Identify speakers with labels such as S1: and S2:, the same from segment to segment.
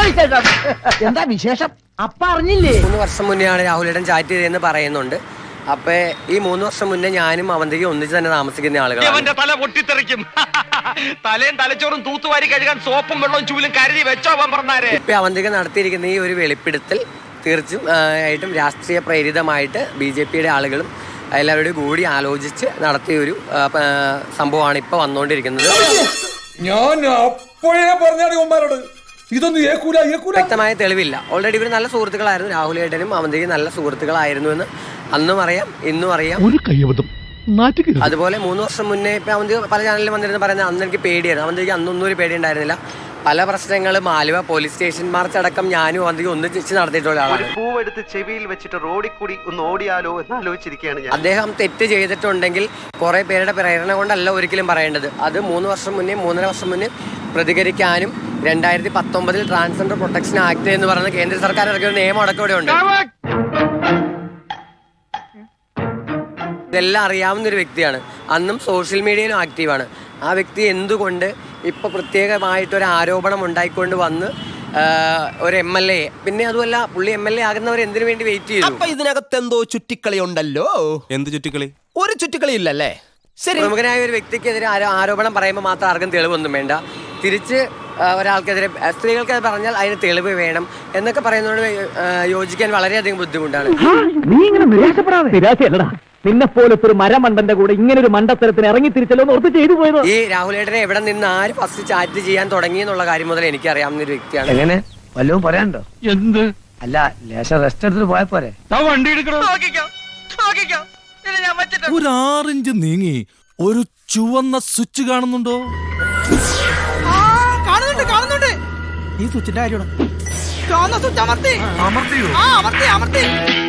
S1: എന്താ വിശേഷം? അപ്പ അറിഞ്ഞില്ലേ?
S2: 3 വർഷം മുന്നെയാണ് രാഹുലേട്ടൻ ചാറ്റ് ചെയ്തതെന്ന് പറയുന്നുണ്ട്. അപ്പൊ ഈ 3 വർഷം മുന്നേ ഞാനും അവന്തിക്ക് ഒന്നിച്ച് തന്നെ താമസിക്കുന്ന ആളുകളാണ്.
S3: തല പൊട്ടിത്തെറിക്കും. തലയും തലച്ചോറും തൂത്തുവാരി കഴുകാൻ സോപ്പും വെള്ളവും ചൂലും കരുതി വെച്ചോ പറഞ്ഞാരെ.
S2: ഇപ്പൊ അവന്തിക്ക് നടത്തിയിരിക്കുന്ന ഈ ഒരു വെളിപ്പെടുത്തൽ തീർച്ചയായിട്ടും രാഷ്ട്രീയ പ്രേരിതമായിട്ട് BJPയുടെ ആളുകളും എല്ലാവരോടും കൂടി ആലോചിച്ച് നടത്തിയ ഒരു സംഭവമാണ് ഇപ്പൊ വന്നുകൊണ്ടിരിക്കുന്നത്.
S4: ഞാൻ അപ്പോഴേ പറഞ്ഞാണ് ഇതൊന്നും
S2: വ്യക്തമായ തെളിവില്ല. ഓൾറെഡി ഇവർ നല്ല സുഹൃത്തുക്കളായിരുന്നു. രാഹുലേട്ടനും അവന്തിക്ക് നല്ല സുഹൃത്തുക്കളായിരുന്നു എന്ന് അന്നും അറിയാം, ഇന്നും അറിയാം. അതുപോലെ 3 വർഷം മുന്നേ ഇപ്പൊ അവന്തി പല ചാനലിലും വന്നിരുന്നു പറയുന്നത് അന്ന് എനിക്ക് പേടിയായിരുന്നു. അവന്തിക്ക് അന്നൊന്നും ഒരു പേടി ഉണ്ടായിരുന്നില്ല. പല പ്രശ്നങ്ങളും ആലുവ പോലീസ് സ്റ്റേഷൻ മാർച്ച് അടക്കം ഞാനും അവന്തിക്ക് ഒന്നിച്ച് നടത്തിയിട്ടുള്ള ആളാണ്.
S5: പൂവെടുത്ത് ചെവിയിൽ വെച്ചിട്ട് റോഡിൽ കൂടി ഒന്ന് ഓടിയാലോ എന്ന് ആലോചിച്ചിരിക്കുകയാണ് ഞാൻ.
S2: അദ്ദേഹം തെറ്റ് ചെയ്തിട്ടുണ്ടെങ്കിൽ കുറെ പേരുടെ പ്രേരണ കൊണ്ടല്ല ഒരിക്കലും പറയേണ്ടത്. അത് 3 വർഷം മുന്നേ 3.5 വർഷം മുന്നേ പ്രതികരിക്കാനും 2019 ട്രാൻസ്ജെൻഡർ പ്രൊട്ടക്ഷൻ ആക്ട് എന്ന് പറയുന്ന കേന്ദ്ര സർക്കാർ ഇറക്കിയ ഒരു നിയമം അടക്കം ഇവിടെ ഉണ്ട്. ഇതെല്ലാം അറിയാവുന്ന ഒരു വ്യക്തിയാണ്. അന്നും സോഷ്യൽ മീഡിയയിലും ആക്റ്റീവാണ്. ആ വ്യക്തി എന്തുകൊണ്ട് ഇപ്പൊ പ്രത്യേകമായിട്ടൊരു ആരോപണം ഉണ്ടായിക്കൊണ്ട് വന്ന് ഒരു MLA, പിന്നെ അതുമല്ല പുള്ളി MLA ആകുന്നവർ എന്തിനു വേണ്ടി വെയിറ്റ് ചെയ്തു?
S6: അപ്പൊ ഇതിനകത്ത് എന്തോ ചുറ്റിക്കളി ഉണ്ടല്ലോ. എന്ത് ചുറ്റിക്കളി? ഒരു ചുറ്റിക്കളി ഇല്ലല്ലേ? ശരി,
S2: പ്രമുഖനായ ഒരു വ്യക്തിക്കെതിരെ ആരോപണം പറയുമ്പോൾ മാത്രം ആർക്കും തെളിവൊന്നും വേണ്ട. തിരിച്ച് ഒരാൾക്കെതിരെ സ്ത്രീകൾക്ക് പറഞ്ഞാൽ അതിന് തെളിവ് വേണം എന്നൊക്കെ പറയുന്നതോട് യോജിക്കാൻ വളരെയധികം ബുദ്ധിമുട്ടാണ്.
S1: നീ ഇങ്ങനെ നിരാശപ്പെടാതെ. നിന്നെ പോലത്തെ ഒരു മരമണ്ടന്റെ കൂടെ ഇങ്ങനെ ഒരു മണ്ടത്തരത്തിന് ഇറങ്ങി തിരിച്ചല്ലോ ഓർത്ത് ചെയ്തു പോയത്.
S2: ഈ രാഹുലേട്ടനെ എവിടെ നിന്ന് ആര് ഫസ്റ്റ് ചാറ്റ് ചെയ്യാൻ തുടങ്ങി എന്നുള്ള കാര്യം മുതൽ എനിക്ക് അറിയാവുന്ന ഒരു വ്യക്തിയാണ്.
S1: എങ്ങനെ വല്ലതും പറയാനുണ്ടോ? എന്ത്? അല്ല, ലേശം റെസ്റ്റ് എടുത്തിട്ട് പോയാ പോരെ?
S3: വണ്ടി എടുക്കണോ?
S4: ഒരു 6 ഇഞ്ച് നീങ്ങി ഒരു ചുവന്ന സ്വിച്ച് കാണുന്നുണ്ടോ?
S6: കാണുന്നുണ്ട്. ഈ സ്വിച്ചിന്റെ കാര്യമാണ്.
S4: അമർത്തിയോ?
S6: അമർത്തി.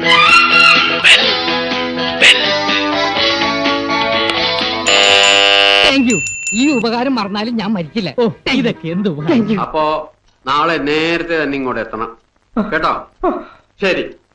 S1: Thank you. ഈ ഉപകാരം മറന്നാലും ഞാൻ മരിക്കില്ല. ഇതൊക്കെ എന്ത്
S7: അപ്പോ നാളെ നേരത്തെ തന്നെ ഇങ്ങോട്ട് എത്തണം കേട്ടോ. ശരി.